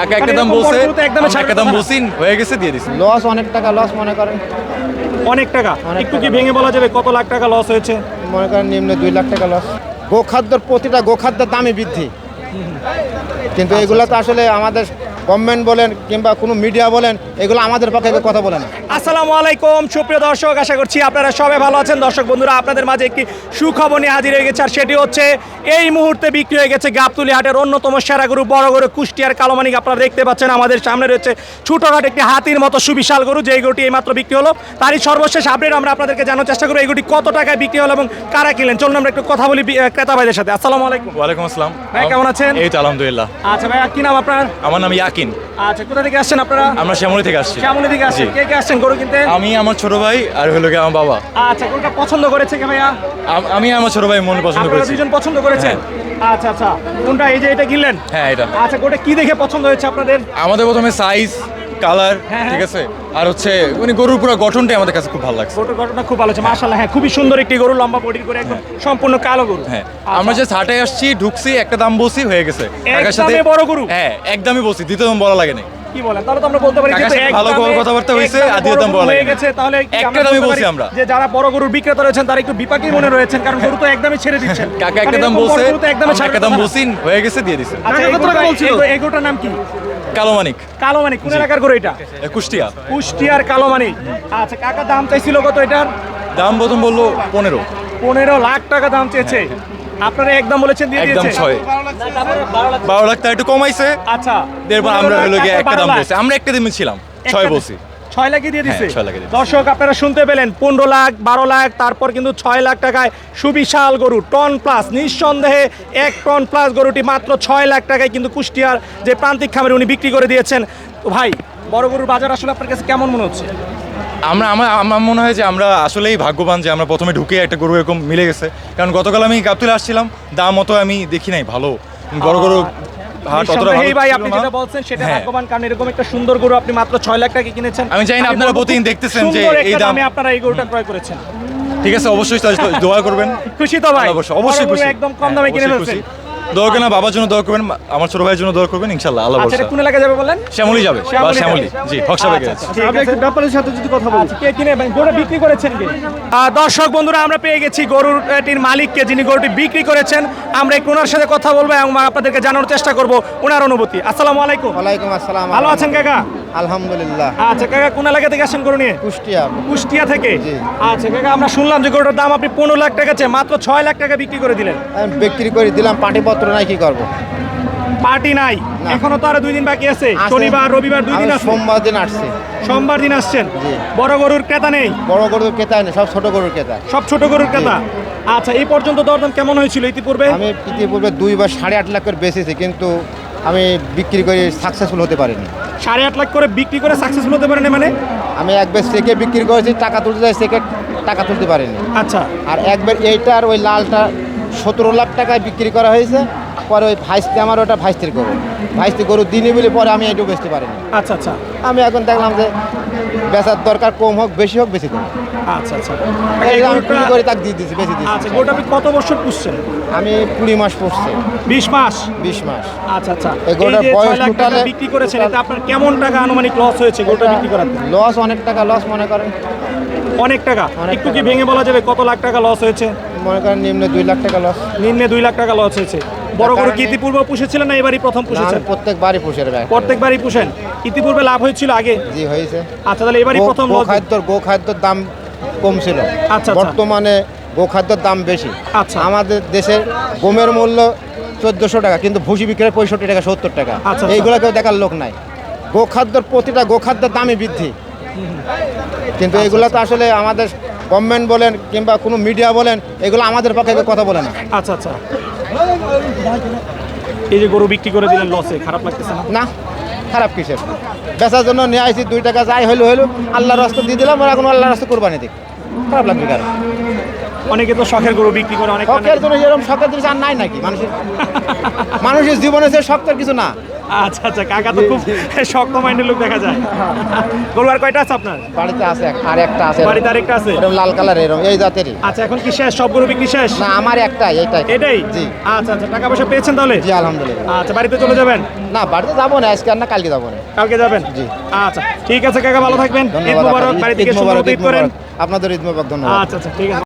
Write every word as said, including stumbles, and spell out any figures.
কাকা একটা দাম বলছে, আমরা একটা দাম বলছি, হয়ে গেছে দিয়ে দিছি। লস অনেক টাকা লস মনে করেন। অনেক টাকা একটু কি ভেঙে বলা যাবে কত লাখ টাকা লস হয়েছে? মনে করেন নিম্ন দুই লাখ টাকা লস। গোখাদ্যর প্রতিটা গোখাদ্যের দামই বৃদ্ধি, কিন্তু এগুলো তো আসলে আমাদের গভর্নমেন্ট বলেন কিংবা কোনো মিডিয়া বলেন, এগুলো আমাদের পক্ষে কথা বলে না। আসসালামু আলাইকুম সুপ্রিয় দর্শক, আশা করছি আপনারা সবাই ভালো আছেন। দর্শক বন্ধুরা, আপনাদের মাঝে একটি সুখবর নিয়ে হাজির হয়ে গেছে, আর সেটি হচ্ছে এই মুহূর্তে বিক্রি হয়ে গেছে গাবতলী হাটের অন্যতম সেরা গরু, বড় গরু কুষ্টিয়ার কালোমানিক। আপনারা দেখতে পাচ্ছেন আমাদের সামনে রয়েছে ছোটখাটো একটি হাতির মতো সুবিশাল গরু, যে গরুটি এইমাত্র বিক্রি হলো। তারই সর্বশেষ আপডেট আমরা আপনাদেরকে জানার চেষ্টা করবো এই গরুটি কত টাকায় বিক্রি হলো এবং কারা কিনলেন। চলুন আমরা একটু কথা বলি ক্রেতা ভাইদের সাথে। আসসালামু আলাইকুম। ওয়ালাইকুম আসসালাম ভাই, কেমন আছেন? এই তো আলহামদুলিল্লাহ। আচ্ছা ভাই, কি নাম আপনার? আমার নাম ইয়াকিন। আচ্ছা, কোথা থেকে আসছেন আপনারা? আমরা শ্যামলী থেকে আসছি। শ্যামলী থেকে আসছেন। জি। কে কে আসছেন গরু কিনতে? আমি, আমার ছোট ভাই আর হলো গিয়ে আমার বাবা। আচ্ছা, গরুটা পছন্দ করেছে কে ভাইয়া? আম- আমি আমার ছোট ভাই মনে পছন্দ আপনারা করেছি। দুজন পছন্দ করেছেন? আচ্ছা আচ্ছা, কোনটা? এই যে এটা কিনলেন? হ্যাঁ, এটা আচ্ছা, গোটা কি দেখে পছন্দ হয়েছে আপনাদের? আমাদের প্রথমে সাইজ, কালার, হ্যাঁ, ঠিক আছে, আর হচ্ছে মানে গরুর পুরো গঠনটাই আমাদের কাছে খুব ভালো লাগছে। গরুটার ঘটনা খুব ভালো হচ্ছে মাশাআল্লাহ। হ্যাঁ, খুবই সুন্দর একটি গরু, লম্বা বডির করে, একদম সম্পূর্ণ কালো গরু। হ্যাঁ, আচ্ছা। আমরা যে হাটে আসছি, ঢুকছি, একটা দাম বলছি, হয়ে গেছে। এক কাকার সাথে দামে বড় গরু? হ্যাঁ, একদমই বলছি, দ্বিতীয় দাম বলা লাগে না। কি বলেন? তাহলে তো আমরা বলতে পারি কাকার যেহেতু সাথে এক ভালো দামে- কথাবার্তা এক হয়েছে, দামে আর দ্বিতীয় বড় দাম গরু বলা হয়ে লাগে না। গেছে, তাহলে কি একটা আমরা দামই বলতে বলছি পারি আমরা। যে যারা বড় গরুর বিক্রেতা রয়েছেন তারা একটু বিপাকী মনে রয়েছেন, কারণ গরু তো একদমই ছেড়ে দিচ্ছেন। কাকা একটা কারণ দাম এরকম বলছে, বড় গরু তো একদমই আমরা ছাড়বে একটা দাম না। বলছি, হয়ে গেছে দিয়ে দিছে। আচ্ছা, এই গরুটা- এই গরু- এই গরুটার নাম কি? কালো মানিক, কালো মানিক। কোন এলাকার গরু এটা? এ, কুষ্টিয়া। কুষ্টিয়ার কালো মানিক। আচ্ছা, কাকা দাম চাইছিল কত এটার? দাম প্রথম বললো পনেরো, পনেরো লাখ টাকা দাম চেয়েছে। আপনারা একদম বলেছেন দিয়ে একদম দিয়েছে? ছয়, বারো লাখ টাকা একটু কমাইছে। আচ্ছা, এরপর আমরা হলো গিয়ে একটা দাম বারো লাখ। বলছি, আমরা একটা দামে ছিলাম, ছয় একটা- বলছি। ছয় লাখই দিয়ে দিছে। হ্যাঁ, ছয় লাখে দিয়ে দিছে। দর্শক, আপনারা শুনতে পেলেন, পনেরো লাখ, বারো লাখ, তারপর কিন্তু ছয় লাখ টাকায় সুবিশাল গরু, টন প্লাস, নিঃসন্দেহে এক টন প্লাস গরুটি মাত্র ছয় লাখ টাকায় কিন্তু কুষ্টিয়ার যে প্রান্তিক খামারে উনি বিক্রি করে দিয়েছেন। তো ভাই, বড় গরুর বাজার আসলে আপনার কাছে কেমন মনে হচ্ছে? আমরা আমার আমার মনে হয় যে আমরা আসলেই ভাগ্যবান যে আমরা প্রথমে ঢুকে একটা গরু এরকম মিলে গেছে। কারণ গতকাল আমি গাবতলী আসছিলাম, দাম অত আমি দেখি নাই ভালো, বড় গরু হাট অতটা ভালো নিঃসন্দেহেই ভাই, ছিল আপনি না। যেটা বলছেন সেটা হ্যাঁ। ভাগ্যবান, কারণ এরকম একটা সুন্দর গরু আপনি মাত্র ছয় লাখ টাকা কিনেছেন। আমি জানি না আপনারা বলবো প্রতিদিন খুব দেখতেছেন যে সুন্দর এই একটা দাম- দামে আপনারা এই গরুটা ক্রয় করেছেন। ঠিক আছে, অবশ্যই তাহলে দোয়া করবেন। খুশি তো ভাই? অবশ্যই, অবশ্যই বড় গরু খুশি। একদম কম হ্যাঁ, দামে কিনে অবশ্যই ফেলছেন। খুশি। দোয়া করবেন, বাবার জন্য দোয়া করবেন, আমার ছোট ভাইয়ের জন্য দোয়া করবেন, ইনশাআল্লাহ, আল্লাহ আচ্ছা, ভরসা। এটা কোন এলাকায় যাবে বলেন? শ্যামলী যাবে বা শ্যামলী শ্যামলী, যাবে। জি, হকসাবে আচ্ছা, গেছে। আচ্ছা, ঠিক আছে। ব্যাপারের সাথে যদি কথা বলি, আচ্ছা, কে কিনে গরু বিক্রি করেছেন কে? আহ, দর্শক বন্ধুরা, আমরা পেয়ে গেছি গরুটির মালিককে, যিনি গরুটি বিক্রি করেছেন। আমরা একটু ওনার সাথে কথা বলবো এবং আপনাদেরকে জানানোর চেষ্টা করব ওনার অনুভূতি। আসসালামু আলাইকুম। ওয়ালাইকুম আসসালাম। ভালো আছেন কাকা? আলহামদুলিল্লাহ। আচ্ছা কাকা, কোন এলাকা থেকে আসেন গরু নিয়ে? কুষ্টিয়া। কুষ্টিয়া থেকে? জি। আচ্ছা কাকা, আমরা শুনলাম যে গরুটার দাম আপনি পনেরো লাখ টাকা চেয়ে মাত্র ছয় লাখ টাকা বিক্রি করে দিলেন। আমি বিক্রি করে দিলাম, পাটিপত্র নাই, কি করবো? পার্টি নাই না। এখনো, তো আরো দুই দিন বাকি আছে, আছে। শনিবার রবিবার দুই দিন আমি আছে। সোমবার দিন আসছি। সোমবার দিন আসছেন। জি। বড় গরুর ক্রেতা নেই? বড় গরুর ক্রেতা নেই, সব ছোট গরুর ক্রেতা। সব ছোট গরুর ক্রেতা। আচ্ছা, এই পর্যন্ত দরদাম কেমন হয়েছিল ইতিপূর্বে? আমি ইতিপূর্বে দুইবার সাড়ে আট লাখ করে বেচেছি, কিন্তু আমি বিক্রি করে সাকসেসফুল হতে পারিনি। সাড়ে আট লাখ করে বিক্রি করে সাকসেসফুল হতে পারেন মানে? আমি একবার চেকে বিক্রি করেছি, টাকা তুলতে যাই, চেকে টাকা তুলতে পারিনি। আচ্ছা আর একবার এইটার ওই লালটা সতেরো লাখ টাকায় বিক্রি করা হয়েছে, পরে ওই ভাইস্তি, আমার ওটা ভাইস্তির গরু, ভাইস্তি গরু দিনই বলে পরে আমি এইটুকু বেচতে পারিনি। আচ্ছা আচ্ছা আমি এখন দেখলাম যে বেচার দরকার, কম হোক বেশি হোক বেশি দেবো। আচ্ছা আচ্ছা এই এই যে আমি গরুটা- কুড়ি করে তাকে দিয়ে দিচ্ছি, বেশি আচ্ছা, দিচ্ছি। গরুটা আপনি কত বছর পুষছেন? আমি কুড়ি মাস পড়ছে, বিশ মাস? বিশ মাস। আচ্ছা আচ্ছা, এই এই গরুটার যে বয়স ছয় লাখ টাকা টোটালে- বিক্রি করেছেন, এতে আপনার কেমন টাকা আনুমানিক লস হয়েছে গরুটা বিক্রি করাতে? লস অনেক টাকা লস মনে করেন। অনেক টাকা অনেক একটু কি টাকা। ভেঙে বলা যাবে কত লাখ টাকা লস হয়েছে? মনে করেন নিম্ন দুই লাখ টাকা লস। নিম্নে দুই লাখ টাকা লস হয়েছে। বড় গরু কি কারণে- ইতিপূর্বে পুষেছিলেন না এবারই প্রথম আমি পুষেছেন? প্রত্যেকবারই পুষের ব্যাগ। প্রত্যেকবারই পুষেন। ইতিপূর্বে লাভ হয়েছিল আগে? জি হয়েছে। আচ্ছা, তাহলে এবারই গো- প্রথম লস। গোখাদ্যর গোখাদ্যর দাম কম ছিল, আচ্ছা, আচ্ছা। বর্তমানে গোখাদ্যর দাম বেশি। আচ্ছা। আমাদের দেশের গমের মূল্য চোদ্দোশো টাকা, কিন্তু ভুসি বিক্রি হয় পঁয়ষট্টি টাকা, সত্তর টাকা। আচ্ছা, আচ্ছা। এইগুলো কেউ দেখার লোক নাই। গোখাদ্যর প্রতিটা গোখাদ্যের দামই বৃদ্ধি, কিন্তু এগুলো তো আসলে আমাদের গভর্নমেন্ট বলেন কিংবা কোনো মিডিয়া বলেন, এগুলো আমাদের পক্ষে কেউ কথা বলে না। আচ্ছা আচ্ছা, এই যে গরু বিক্রি করে দিলেন লসে, খারাপ লাগতেছে না? না, খারাপ কিসের? বেচার জন্য নিয়ে আসি, দুই টাকা যাই হইলো হইলো, আল্লাহর রাস্তা দিয়ে দিলাম, আর এখন আল্লাহর রাস্তা কোরবানি দিক, খারাপ লাগবে কারণ? অনেকে তো শখের গরু বিক্রি করে, অনেক শখের জন্য এরকম শখের জিনিস আর নাই নাকি মানুষের? মানুষের জীবনে যে শখের কিছু না, আচ্ছা আচ্ছা, কাকা তো খুব শক্ত মাইন্ডের লোক দেখা যায়। গরু আর কয়টা আছে আপনার বাড়িতে আছে এক- আর একটা আছে বাড়িতে? আরেকটা আছে। এরকম লাল কালার এরকম এই জাতেরই। আচ্ছা, এখন কি শেষ? সব গরু বিক্রি শেষ? না আমার একটাই এইটাই। এটাই? জি আচ্ছা আচ্ছা, টাকা পয়সা পেয়েছেন তাহলে? জি আলহামদুলিল্লাহ। আচ্ছা, বাড়িতে চলে যাবেন? না বাড়িতে যাবো না আজকে আর না কালকে যাবো না। কালকে যাবেন? জি। আচ্ছা ঠিক আছে কাকা, ভালো থাকবেন। ঈদ ধন্যবাদ মোবারক, আপনার। বাড়ি ঈদ থেকে সুন্দর মোবারক, ঈদ ঈদ করেন। মোবারক। আপনাদের ঈদ মোবারক, ধন্যবাদ। আচ্ছা আচ্ছা ঠিক আছে।